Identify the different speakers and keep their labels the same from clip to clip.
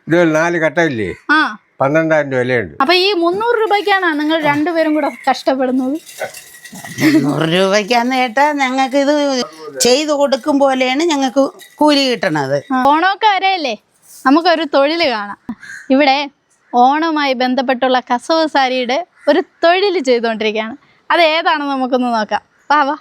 Speaker 1: ഇത് 4 കട്ടയില്ലേ, 12,000 രൂപ വിലയുണ്ട്.
Speaker 2: അപ്പൊ ഈ 300 രൂപയ്ക്കാണ് നിങ്ങൾ രണ്ടുപേരും കൂടെ കഷ്ടപ്പെടുന്നത്?
Speaker 3: 300 രൂപയ്ക്കാന്ന് കേട്ടാ ഞങ്ങൾക്ക് ഇത് ചെയ്തു കൊടുക്കും പോലെയാണ് ഞങ്ങൾക്ക് കൂലി കിട്ടണത്.
Speaker 2: ഓണമൊക്കെ വരെയല്ലേ, നമുക്കൊരു തൊഴിൽ കാണാം. ഇവിടെ ഓണവുമായി ബന്ധപ്പെട്ടുള്ള കസവ് സാരിയുടെ ഒരു തൊഴിൽ ചെയ്തുകൊണ്ടിരിക്കുകയാണ്. അത് ഏതാണെന്ന് നമുക്കൊന്ന് നോക്കാം. വാ.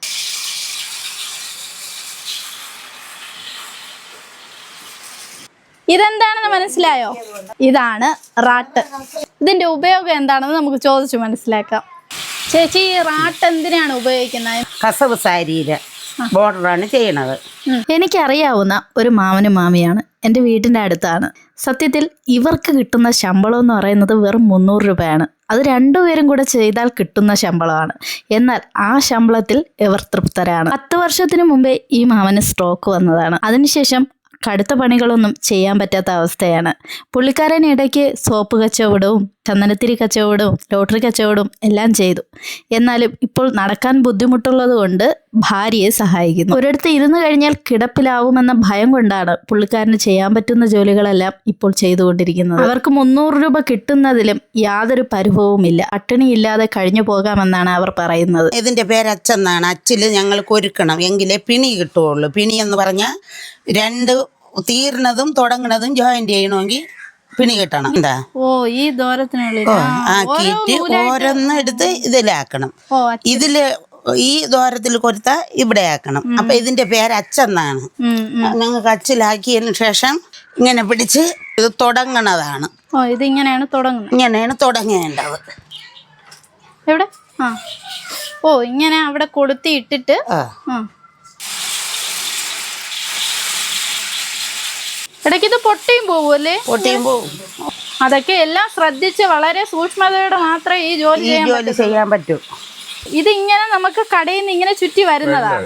Speaker 2: ഇതെന്താണെന്ന് മനസ്സിലായോ? ഇതാണ് റാട്ട്. ഇതിന്റെ ഉപയോഗം എന്താണെന്ന് നമുക്ക് ചോദിച്ചു മനസ്സിലാക്കാം. ചേച്ചി, ഈ റാട്ട് എന്തിനാണ് ഉപയോഗിക്കുന്നത്?
Speaker 3: കസവ് സാരിയിലെ ബോർഡറാണ് ചെയ്യണത്.
Speaker 2: എനിക്കറിയാവുന്ന ഒരു മാമനും മാമിയാണ്, എൻ്റെ വീട്ടിൻ്റെ അടുത്താണ്. സത്യത്തിൽ ഇവർക്ക് കിട്ടുന്ന ശമ്പളം എന്ന് പറയുന്നത് വെറും 300 രൂപയാണ്. അത് രണ്ടുപേരും കൂടെ ചെയ്താൽ കിട്ടുന്ന ശമ്പളമാണ്. എന്നാൽ ആ ശമ്പളത്തിൽ ഇവർ തൃപ്തരാണ്. 10 വർഷത്തിന് മുമ്പേ ഈ മാമന് സ്ട്രോക്ക് വന്നതാണ്. അതിനുശേഷം കടുത്ത പണികളൊന്നും ചെയ്യാൻ പറ്റാത്ത അവസ്ഥയാണ്. പുള്ളിക്കാരൻ ഇടയ്ക്ക് സോപ്പ് കച്ചവടവും ചന്ദനത്തിരി കച്ചവടവും ലോട്ടറി കച്ചവടവും എല്ലാം ചെയ്തു. എന്നാലും ഇപ്പോൾ നടക്കാൻ ബുദ്ധിമുട്ടുള്ളത് കൊണ്ട് ഭാര്യയെ സഹായിക്കുന്നു. ഒരിടത്ത് ഇരുന്ന് കഴിഞ്ഞാൽ കിടപ്പിലാവുമെന്ന ഭയം കൊണ്ടാണ് പുള്ളിക്കാരന് ചെയ്യാൻ പറ്റുന്ന ജോലികളെല്ലാം ഇപ്പോൾ ചെയ്തുകൊണ്ടിരിക്കുന്നത്. അവർക്ക് 300 രൂപ കിട്ടുന്നതിലും യാതൊരു പരിഭവവുമില്ല. പട്ടിണിയില്ലാതെ കഴിഞ്ഞു പോകാമെന്നാണ് അവർ പറയുന്നത്.
Speaker 3: ഇതിന്റെ പേര് അച്ചെന്നാണ്. അച്ചിൽ ഞങ്ങൾ കൊരുക്കണം എങ്കിലേ പിണി കിട്ടുകയുള്ളൂ. പിണി എന്ന് പറഞ്ഞാൽ 2 തീർന്നതും തുടങ്ങുന്നതും ജോയിന്റ് ചെയ്യണമെങ്കിൽ പിണി കിട്ടണം. എന്താ
Speaker 2: ഈ ദൂരത്തിനുള്ളിൽ
Speaker 3: ആക്കിയിട്ട് ഓരോന്ന് എടുത്ത് ഇതിലാക്കണം. ഇതില് ഈ ദൂരത്തിൽ കൊടുത്താൽ ഇവിടെ ആക്കണം. അപ്പൊ ഇതിന്റെ പേര് അച്ചെന്നാണ്. ഞങ്ങൾക്ക് അച്ചിലാക്കിയതിന് ശേഷം ഇങ്ങനെ പിടിച്ച് ഇത് തുടങ്ങണതാണ്.
Speaker 2: ഇതിങ്ങനെയാണ് തുടങ്ങുന്നത്.
Speaker 3: ഇങ്ങനെയാണ് തുടങ്ങേണ്ടത്.
Speaker 2: എവിടെ? ഇങ്ങനെ അവിടെ കൊളുത്തി ഇട്ടിട്ട് ഇടയ്ക്ക് ഇത് പൊട്ടിയും പോവുമല്ലേ?
Speaker 3: പൊട്ടിയും പോവും.
Speaker 2: അതൊക്കെ എല്ലാം ശ്രദ്ധിച്ച് വളരെ സൂക്ഷ്മതയോടെ മാത്രമേ ഈ ജോലി
Speaker 3: ചെയ്യാൻ പറ്റൂ.
Speaker 2: ഇത് ഇങ്ങനെ നമുക്ക് കടയിൽ നിന്ന് ഇങ്ങനെ ചുറ്റി വരുന്നതാണ്.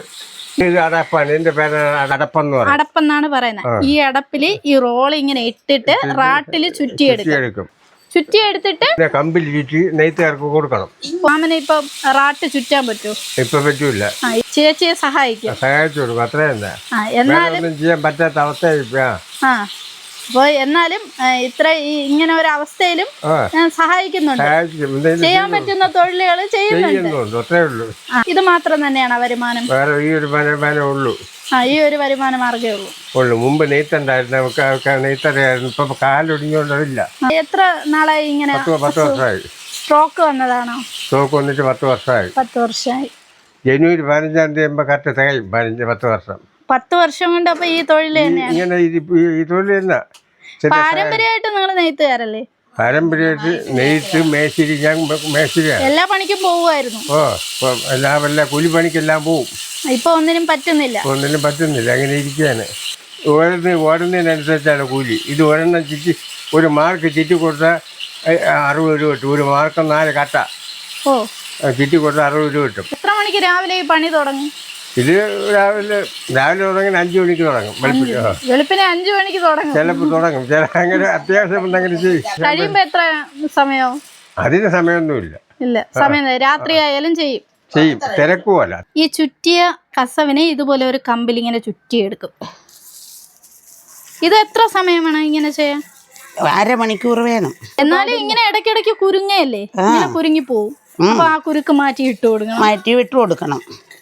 Speaker 2: അടപ്പെന്നാണ് പറയുന്നത്. ഈ അടപ്പില് ഈ റോൾ ഇങ്ങനെ ഇട്ടിട്ട് റാട്ടില് ചുറ്റിയെടുക്കും. ചുറ്റിയെടുത്തിട്ട്
Speaker 1: കമ്പിൽ ചുറ്റി നെയ്ത്തുകാർക്ക് കൊടുക്കണം.
Speaker 2: മാമന് ഇപ്പൊ റാട്ട് ചുറ്റാൻ പറ്റുമോ?
Speaker 1: ഇപ്പൊ പറ്റൂല.
Speaker 2: ചേച്ചിയെ സഹായിച്ചു കൊടുക്കും.
Speaker 1: അത്രയെന്താ,
Speaker 2: എന്നാലും
Speaker 1: ചെയ്യാൻ പറ്റാത്ത അവസ്ഥ.
Speaker 2: അപ്പൊ എന്നാലും ഇത്ര ഇങ്ങനെ ഒരു അവസ്ഥയിലും സഹായിക്കുന്നുണ്ട്. ചെയ്യാൻ പറ്റുന്ന തൊഴിലുകൾ ചെയ്യുന്നുണ്ട്.
Speaker 1: അത്രേ ഉള്ളൂ.
Speaker 2: ഇത് മാത്രം തന്നെയാണ് വരുമാനം?
Speaker 1: വേറെ ഈ ഒരു വരുമാനം ഉള്ളൂ.
Speaker 2: ഈ ഒരു വരുമാന മാർഗ്ഗമേ
Speaker 1: ഉള്ളൂ. മുമ്പ് നെയ്ത്തുണ്ടായിരുന്നു, നെയ്ത്തറിയായിരുന്നു. ഇപ്പൊ കാലൊടിഞ്ഞോണ്ടതില്ല.
Speaker 2: എത്ര നാളായി ഇങ്ങനെ?
Speaker 1: 10 വർഷമായി.
Speaker 2: സ്ട്രോക്ക് വന്നതാണോ?
Speaker 1: സ്ട്രോക്ക് വന്നിട്ട് 10 വർഷമായി.
Speaker 2: 10 വർഷമായി.
Speaker 1: ജനുവരി 15-ാം തീയതി ആകുമ്പോ കറക്റ്റ് തികയും 10 വർഷം.
Speaker 2: 10 വർഷം കൊണ്ട് അപ്പൊ ഈ തൊഴിൽ തന്നെയാണ്?
Speaker 1: ഇങ്ങനെ ഈ തൊഴിൽ തന്നെ.
Speaker 2: പാരമ്പര്യമായിട്ട് നിങ്ങൾ നെയ്ത്തുകാരല്ലേ?
Speaker 1: പാരമ്പര്യമായിട്ട് നെയ്ത്ത്, മേശിരി. ഞാൻ മേശിരിയാണ്.
Speaker 2: എല്ലാ പണിക്കും പോവുമായിരുന്നു?
Speaker 1: എല്ലാ കൂലിപ്പണിക്കെല്ലാം പോവും.
Speaker 2: ഇപ്പൊ ഒന്നിനും പറ്റുന്നില്ല.
Speaker 1: അങ്ങനെ ഇരിക്കുകയാണ്. ഓടുന്നതിനനുസരിച്ചാണ് കൂലി. ഇത് ഒരെണ്ണം ചുറ്റി ഒരു മാർക്ക് ചുറ്റി കൊടുത്താൽ 60 രൂപ കിട്ടും. ഒരു മാർക്ക് 4 കട്ട ചുറ്റി കൊടുത്താൽ 60 രൂപ കിട്ടും.
Speaker 2: എത്ര മണിക്ക് രാവിലെ ഈ പണി തുടങ്ങും?
Speaker 1: ഇത് രാവിലെ തുടങ്ങി 5 മണിക്ക് തുടങ്ങും.
Speaker 2: വെളുപ്പിനെ 5 മണിക്ക് തുടങ്ങും.
Speaker 1: ചിലപ്പോൾ തുടങ്ങും. അങ്ങനെ അത്യാവശ്യം ഉണ്ടെങ്കിൽ ചെയ്യും.
Speaker 2: കഴിയുമ്പോ എത്ര സമയവും?
Speaker 1: അതിന് സമയമൊന്നുമില്ല.
Speaker 2: ഇല്ല, സമയം രാത്രി ആയാലും ചെയ്യും.
Speaker 1: തിരക്കുമല്ല.
Speaker 2: ഈ ചുറ്റിയ കസവിനെ ഇതുപോലെ ഒരു കമ്പിൽ ഇങ്ങനെ ചുറ്റിയെടുക്കും. ഇത് എത്ര സമയം വേണം ഇങ്ങനെ ചെയ്യാൻ?
Speaker 3: 1/2 മണിക്കൂർ വേണം.
Speaker 2: എന്നാലും ഇങ്ങനെ ഇടയ്ക്കിടയ്ക്ക് കുരുങ്ങയല്ലേ, ഇങ്ങനെ കുരുങ്ങി പോവും. അപ്പൊ ആ കുരുക്ക് മാറ്റി വിട്ടു കൊടുക്കണം.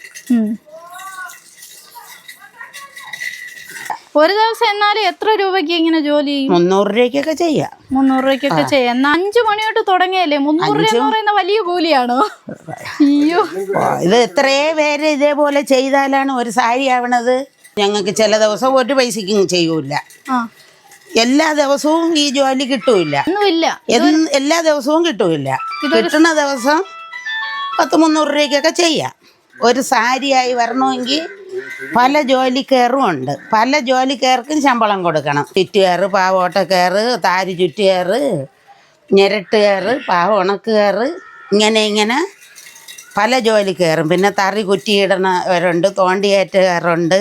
Speaker 2: ഒരു ദിവസം എന്നാലും എത്ര രൂപയ്ക്ക് ഇങ്ങനെ ജോലി ചെയ്യും?
Speaker 3: 300 രൂപയ്ക്കൊക്കെ ചെയ്യാം.
Speaker 2: 300 രൂപയ്ക്കൊക്കെ ചെയ്യാം. എന്നാ 5 മണി തൊട്ട് തുടങ്ങിയല്ലേ? 300 രൂപ എന്ന് പറയുന്ന വലിയ കൂലിയാണോ? അയ്യോ,
Speaker 3: ഇത് എത്രയോ പേര് ഇതേപോലെ ചെയ്താലാണ് ഒരു സാരി ആവണത്. ഞങ്ങൾക്ക് ചില ദിവസം ഒരു പൈസക്കും ചെയ്യൂല. എല്ലാ ദിവസവും ഈ ജോലി കിട്ടൂല. എല്ലാ ദിവസവും കിട്ടൂല. കിട്ടുന്ന ദിവസം 100-300 രൂപയ്ക്കൊക്കെ ചെയ്യാം. ഒരു സാരിയായി വരണമെങ്കിൽ പല ജോലിക്കാരും ഉണ്ട്. പല ജോലിക്കാർക്കും ശമ്പളം കൊടുക്കണം. ചുറ്റുകാര്, പാവോട്ടക്കാര്, താരി ചുറ്റുകാര്, ഞെരട്ടുകാര്, പാവ ഉണക്കുകാര്, ഇങ്ങനെ പല ജോലിക്കാരും. പിന്നെ തറി കുറ്റിയിടണവരുണ്ട്, തോണ്ടിയേറ്റുകാരുണ്ട്.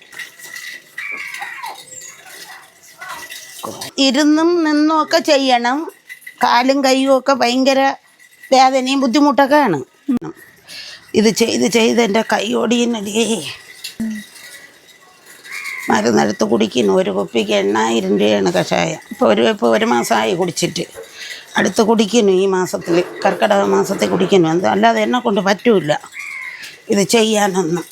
Speaker 3: ഇരുന്നും നിന്നും ഒക്കെ ചെയ്യണം. കാലും കൈയും ഒക്കെ ഭയങ്കര വേദനയും ബുദ്ധിമുട്ടൊക്കെയാണ്. ഇത് ചെയ്ത് എൻ്റെ കൈ ഓടിയേ മരുന്നെടുത്ത് കുടിക്കുന്നു. ഒരു കുപ്പിക്ക് 8000 രൂപയാണ് കഷായം. ഇപ്പോൾ ഒരു മാസമായി കുടിച്ചിട്ട്. അടുത്ത് കുടിക്കുന്നു ഈ മാസത്തിൽ, കർക്കിടക മാസത്തിൽ കുടിക്കുന്നു. അല്ലാതെ എന്നെ കൊണ്ട് പറ്റൂല ഇത് ചെയ്യാനൊന്നും.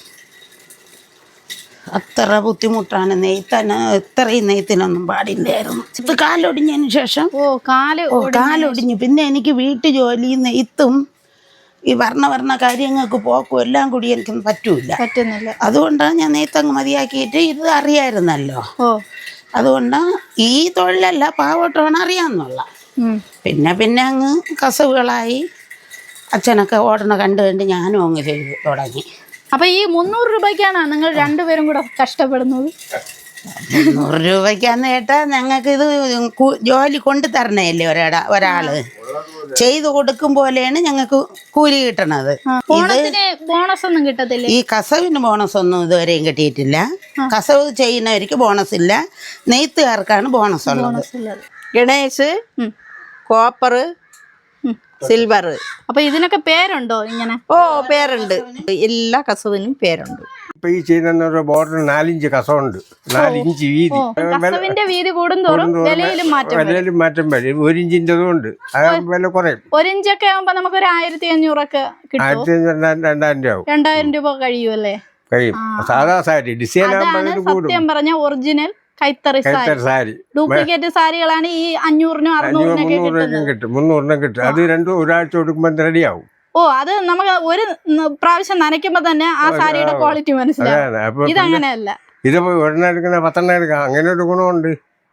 Speaker 3: അത്ര ബുദ്ധിമുട്ടാണ്. ഇത്രയും നെയ്ത്തിനൊന്നും പാടില്ലായിരുന്നു. ഇത് കാലൊടിഞ്ഞതിന് ശേഷം കാലൊടിഞ്ഞു. പിന്നെ എനിക്ക് വീട്ടു ജോലി, നെയ്ത്തും ഈ വർണ്ണ കാര്യങ്ങൾക്ക് പോക്കും എല്ലാം കൂടി എനിക്കൊന്നും പറ്റുന്നില്ല. അതുകൊണ്ടാണ് ഞാൻ നെയ്ത്തങ്ങ് മതിയാക്കിയിട്ട് ഇത് അറിയാമായിരുന്നല്ലോ. അതുകൊണ്ടാണ് ഈ തൊഴിലല്ല, പാവട്ടമാണ് അറിയാമെന്നുള്ള. പിന്നെ അങ്ങ് കസവുകളായി. അച്ഛനൊക്കെ ഓടണ കണ്ട് ഞാനും അങ്ങ് ചെയ്തു തുടങ്ങി.
Speaker 2: അപ്പൊ ഈ 300 രൂപയ്ക്കാണ് നിങ്ങൾ രണ്ടുപേരും കൂടെ കഷ്ടപ്പെടുന്നത്?
Speaker 3: 300 രൂപയ്ക്കാന്ന് കേട്ടാ ഞങ്ങൾക്ക് ഇത് ജോലി കൊണ്ടു തരണല്ലേ ഒരാള് ചെയ്തു കൊടുക്കും പോലെയാണ് ഞങ്ങൾക്ക് കൂലി കിട്ടണത്.
Speaker 2: ബോണസ് ഒന്നും കിട്ടത്തില്ല.
Speaker 3: ഈ കസവിന് ബോണസ് ഒന്നും ഇതുവരെയും കിട്ടിയിട്ടില്ല. കസവ് ചെയ്യുന്നവർക്ക് ബോണസ് ഇല്ല, നെയ്ത്തുകാർക്കാണ് ബോണസ് ഉള്ളത്.
Speaker 4: Ganesh, copper, silver.
Speaker 2: അപ്പൊ ഇതിനൊക്കെ പേരുണ്ടോ ഇങ്ങനെ?
Speaker 4: പേരുണ്ട്, എല്ലാ കസവിനും പേരുണ്ട്.
Speaker 1: ഇപ്പൊ ഈ ചെയ്യുന്ന ബോർഡർ 4 ഇഞ്ച് കസവുണ്ട്, 4 ഇഞ്ച് വീതി.
Speaker 2: കസവിന്റെ വീതി കൂടുന്തോറും വിലയിലും
Speaker 1: മാറ്റം വരും. 1 ഇഞ്ചിൻ്റെതും ഉണ്ട്, വില കുറയും.
Speaker 2: 1 ഇഞ്ചൊക്കെ ആകുമ്പോ നമുക്ക് ഒരു 1500 ഒക്കെ കിട്ടും.
Speaker 1: 1500 രൂപ ആവും.
Speaker 2: 2000 രൂപ കഴിയുമല്ലേ?
Speaker 1: കഴിയും. സാധാ സാരി ഡിസൈൻ ആകുമ്പോൾ
Speaker 2: സത്യം പറഞ്ഞ ഒറിജിനൽ കൈത്തറി സാരി. ഡ്യൂപ്ലിക്കേറ്റ് സാരികളാണ് ഈ 500-നും 600-നൊക്കെ
Speaker 1: കിട്ടും, 300-നും കിട്ടും. അത് ഒരാഴ്ച കൊടുക്കുമ്പോൾ റെഡിയാവും.
Speaker 2: അത് നമുക്ക് ഒരു പ്രാവശ്യം നനയ്ക്കുമ്പോ തന്നെ ആ സാരിയുടെ ക്വാളിറ്റി മനസ്സിലാവും. ഇതങ്ങനെയല്ല.
Speaker 1: ഇത് ഒരെണ്ണം എടുക്കുന്ന 10 എടുക്കാം, അങ്ങനെ ഒരു ഗുണമുണ്ട്.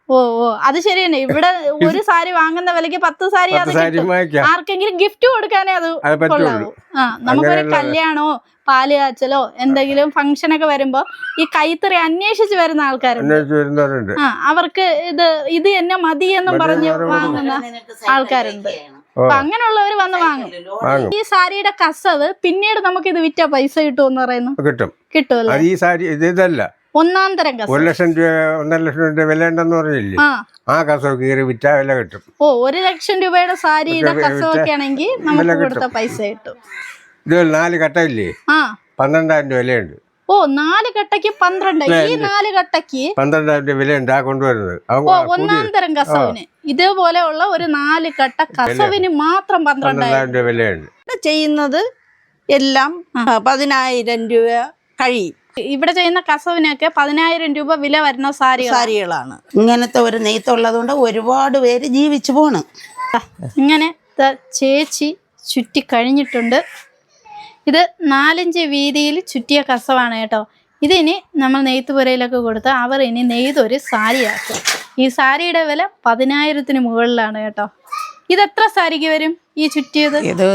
Speaker 2: അത് ശരിയന്നെ. ഇവിടെ ഒരു സാരി വാങ്ങുന്ന വിലക്ക് 10 സാരി ആർക്കെങ്കിലും ഗിഫ്റ്റ് കൊടുക്കാനേ അത് കൊള്ളാവൂ. നമുക്കൊരു കല്യാണോ പാല് കാച്ചലോ എന്തെങ്കിലും ഫംഗ്ഷനൊക്കെ വരുമ്പോ ഈ കൈത്തറി അന്വേഷിച്ച് വരുന്ന ആൾക്കാരുണ്ട്. അവർക്ക് ഇത് എന്നെ മതി എന്നും പറഞ്ഞ് വാങ്ങുന്ന ആൾക്കാരുണ്ട്. അപ്പൊ അങ്ങനെയുള്ളവർ വന്ന് വാങ്ങും. ഈ സാരിയുടെ കസവ് പിന്നീട് നമുക്ക് ഇത് വിറ്റാ പൈസ കിട്ടുമെന്ന് പറയുന്നു. കിട്ടുമല്ലോ.
Speaker 1: ഈ സാരി ഇതല്ല,
Speaker 2: ഒന്നാം തരം കസവ്.
Speaker 1: 1 ലക്ഷം രൂപ 1.5 ലക്ഷം രൂപ വില ഉണ്ടെന്ന് പറഞ്ഞില്ലേ, ആ കസവ് കീറി വിറ്റാ വില കിട്ടും.
Speaker 2: 1 ലക്ഷം രൂപയുടെ സാരിയുടെ കസവൊക്കെ ആണെങ്കിൽ നമുക്ക് കൊടുത്ത പൈസ കിട്ടും.
Speaker 1: ഇത് 4 കട്ടയില്ലേ, 12,000 രൂപ വിലയുണ്ട്.
Speaker 2: 4 കട്ടയ്ക്ക് 12. ഈ 4 കട്ടയ്ക്ക്
Speaker 1: 12,000 രൂപ വിലയുണ്ട് ആ കൊണ്ടുവരുന്നത്.
Speaker 2: ഒന്നാം തരം കസവിന് ഇതേപോലെയുള്ള ഒരു 4 കട്ട കസവിന് മാത്രം 12,000
Speaker 1: രൂപ വിലയുണ്ട്.
Speaker 4: ചെയ്യുന്നത് എല്ലാം 10,000 രൂപ കഴിയും.
Speaker 2: ഇവിടെ ചെയ്യുന്ന കസവിനൊക്കെ 10,000 രൂപ വില വരുന്ന
Speaker 4: സാരികളാണ്.
Speaker 3: ഇങ്ങനത്തെ ഒരു നെയ്ത്തുള്ളത് കൊണ്ട് ഒരുപാട് പേര് ജീവിച്ചു പോണ്.
Speaker 2: ഇങ്ങനെ ചേച്ചി ചുറ്റി കഴിഞ്ഞിട്ടുണ്ട്. ഇത് 4 ഇഞ്ച് വീതിയിൽ ചുറ്റിയ കസവാണ് കേട്ടോ. ഇതിനി നമ്മൾ നെയ്ത്തുപുരയിലൊക്കെ കൊടുത്ത് അവർ ഇനി നെയ്തൊരു സാരിയാക്കും. ഈ സാരിയുടെ വില 10,000-ന് മുകളിലാണ് കേട്ടോ. ഇതെത്ര സാരിക്ക് വരും ഈ ചുറ്റിയത്?
Speaker 3: ഇത്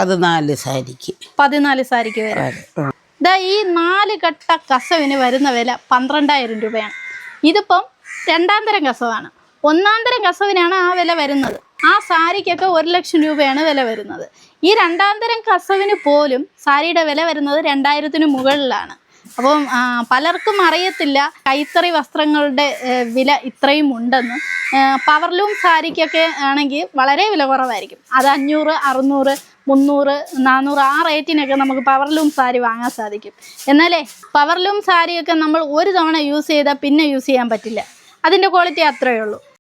Speaker 3: 14 സാരിക്ക്.
Speaker 2: 14 സാരിക്ക് വരും. ഈ 4 കട്ട കസവിന് വരുന്ന വില 12,000 രൂപയാണ്. ഇതിപ്പം 2ാം തരം കസവാണ്. 1ാം തരം കസവിനാണ് ആ വില വരുന്നത്. ആ സാരിക്കൊക്കെ 1 ലക്ഷം രൂപയാണ് വില വരുന്നത്. ഈ 2ാം തരം കസവിന് പോലും സാരിയുടെ വില വരുന്നത് 2,000-ന് മുകളിലാണ്. അപ്പം പലർക്കും അറിയത്തില്ല കൈത്തറി വസ്ത്രങ്ങളുടെ വില ഇത്രയും ഉണ്ടെന്ന്. പവർലൂം സാരിക്കൊക്കെ ആണെങ്കിൽ വളരെ വില കുറവായിരിക്കും. അത് 500, 600, 300, 400 ആ റേറ്റിനൊക്കെ നമുക്ക് പവർലൂം സാരി വാങ്ങാൻ സാധിക്കും. എന്നാലേ പവർലൂം സാരിയൊക്കെ നമ്മൾ ഒരു തവണ യൂസ് ചെയ്താൽ പിന്നെ യൂസ് ചെയ്യാൻ പറ്റില്ല. അതിൻ്റെ ക്വാളിറ്റി അത്രയേ ഉള്ളൂ.